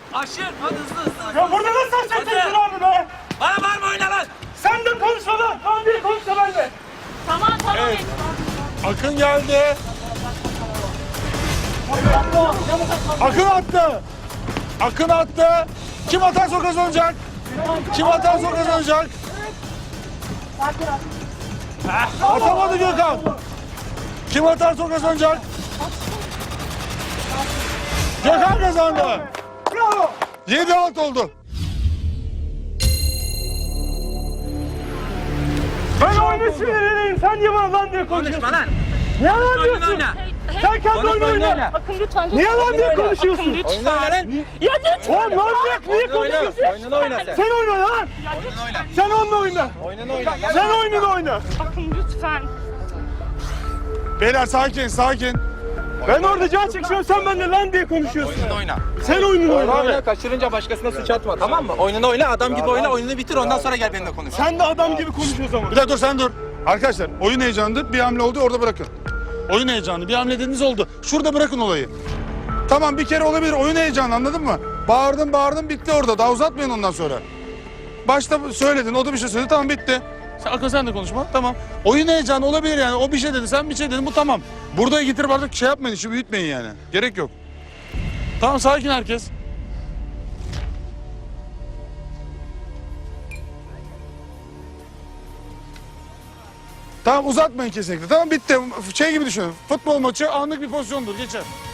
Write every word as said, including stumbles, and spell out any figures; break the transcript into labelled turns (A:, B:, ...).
A: Aşır. Hadi hızlı hızlı.
B: Ya burada nasıl açacaksın abi be?
A: Bana var mı oyna lan?
B: Sen de konuşma lan. Tamam değil konuşma ben de.
C: Tamam tamam.
D: Evet. Akın geldi. Akın attı. Akın attı. Kim atarsa o kazanacak. Kim atarsa o kazanacak. Atamadı Gökhan. Kim atarsa o kazanacak. Gökhan kazandı.
B: Bravo.
D: yedi alt oldu.
B: Ben oyunu sinirleneyim. Sen niye bana lan diye konuşuyorsun?
A: Konuşma lan.
B: Niye lan
A: Oyun
B: diyorsun?
A: oyna.
B: Sen kendi
A: Konuş,
B: oyunu
A: oyun
B: oyna.
A: oyna.
C: Akın lütfen.
B: Niye lan diye
C: Akın
B: konuşuyorsun?
C: lütfen.
A: Oyna lan.
C: Ya lütfen.
B: Oğlum manyak niye konuşuyorsun?
A: Oyununu oyna sen.
B: Sen oyna lan.
A: Oyununu oyna.
B: Sen onunla oyna.
A: Oyununu oyna.
B: Sen oyununu oyna.
C: Akın lütfen.
D: Beyler sakin sakin.
B: Ben orada can çekişiyorum sen benimle lan diye konuşuyorsun.
A: Oyununu oyna.
B: Sen oyununu oyna
A: Oyununu oyna.
B: abi.
A: Kaçırınca başkasına suç atma, tamam mı? Oyununu oyna, adam gibi oyna, oyununu bitir, ondan sonra gel benimle konuş.
B: Sen de adam gibi konuş o zaman.
D: Bir dakika dur sen dur. Arkadaşlar oyun heyecanıdır. Bir hamle oldu orada bırakın. Oyun heyecanı. Bir hamle dediğiniz oldu. Şurada bırakın olayı. Tamam bir kere olabilir. Oyun heyecanı anladın mı? Bağırdın bağırdın bitti orada. Daha uzatmayın ondan sonra. Başta söyledin. O da bir şey söyledi. Tamam bitti. Sen, Akın sen de konuşma. Tamam. Oyun heyecanı olabilir yani. O bir şey dedi. Sen bir şey dedin. Bu tamam. Burada getirip artık şey yapmayın. işi büyütmeyin yani. Gerek yok. Tamam sakin herkes. Tamam uzatmayın kesinlikle. Tamam bitti. Şey gibi düşünün. Futbol maçı anlık bir pozisyondur. Geçer.